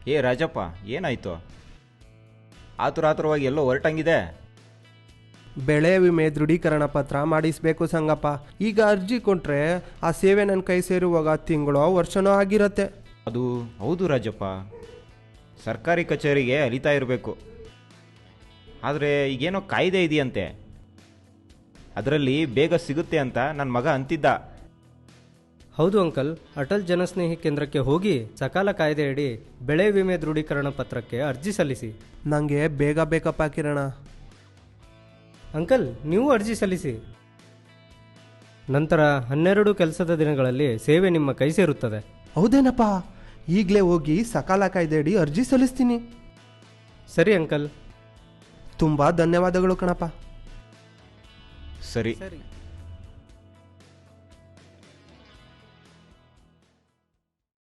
ಏ ರಾಜಪ್ಪ, ಏನಾಯ್ತು? ಆತುರಾತುರವಾಗಿ ಎಲ್ಲೋ ಹೊರಟಂಗಿದೆ. ಬೆಳೆ ವಿಮೆ ದೃಢೀಕರಣ ಪತ್ರ ಮಾಡಿಸ್ಬೇಕು ಸಂಗಪ್ಪ. ಈಗ ಅರ್ಜಿ ಕೊಟ್ರೆ ಆ ಸೇವೆ ನನ್ನ ಕೈ ಸೇರುವಾಗ ತಿಂಗಳೋ ವರ್ಷನೋ ಆಗಿರತ್ತೆ. ಅದು ಹೌದು ರಾಜಪ್ಪ, ಸರ್ಕಾರಿ ಕಚೇರಿಗೆ ಅಲಿತಾ ಇರಬೇಕು. ಆದರೆ ಈಗೇನೋ ಕಾಯ್ದೆ ಇದೆಯಂತೆ, ಅದರಲ್ಲಿ ಬೇಗ ಸಿಗುತ್ತೆ ಅಂತ ನನ್ನ ಮಗ ಅಂತಿದ್ದ. ಹೌದು ಅಂಕಲ್, ಅಟಲ್ ಜನಸ್ನೇಹಿ ಕೇಂದ್ರಕ್ಕೆ ಹೋಗಿ ಸಕಾಲ ಕಾಯ್ದೆಯಡಿ ಬೆಳೆ ವಿಮೆ ದೃಢೀಕರಣ ಪತ್ರಕ್ಕೆ ಅರ್ಜಿ ಸಲ್ಲಿಸಿ. ನನಗೆ ಬೇಗ ಬೇಕಪ್ಪ ಕಿರಣ. ಅಂಕಲ್, ನೀವು ಅರ್ಜಿ ಸಲ್ಲಿಸಿ. ನಂತರ 12 ಕೆಲಸದ ದಿನಗಳಲ್ಲಿ ಸೇವೆ ನಿಮ್ಮ ಕೈ ಸೇರುತ್ತದೆ. ಹೌದೇನಪ್ಪ, ಈಗಲೇ ಹೋಗಿ ಸಕಾಲ ಕಾಯ್ದೆಯಡಿ ಅರ್ಜಿ ಸಲ್ಲಿಸ್ತೀನಿ. ಸರಿ ಅಂಕಲ್. ತುಂಬ ಧನ್ಯವಾದಗಳು ಕಣಪ್ಪ. ಸರಿ.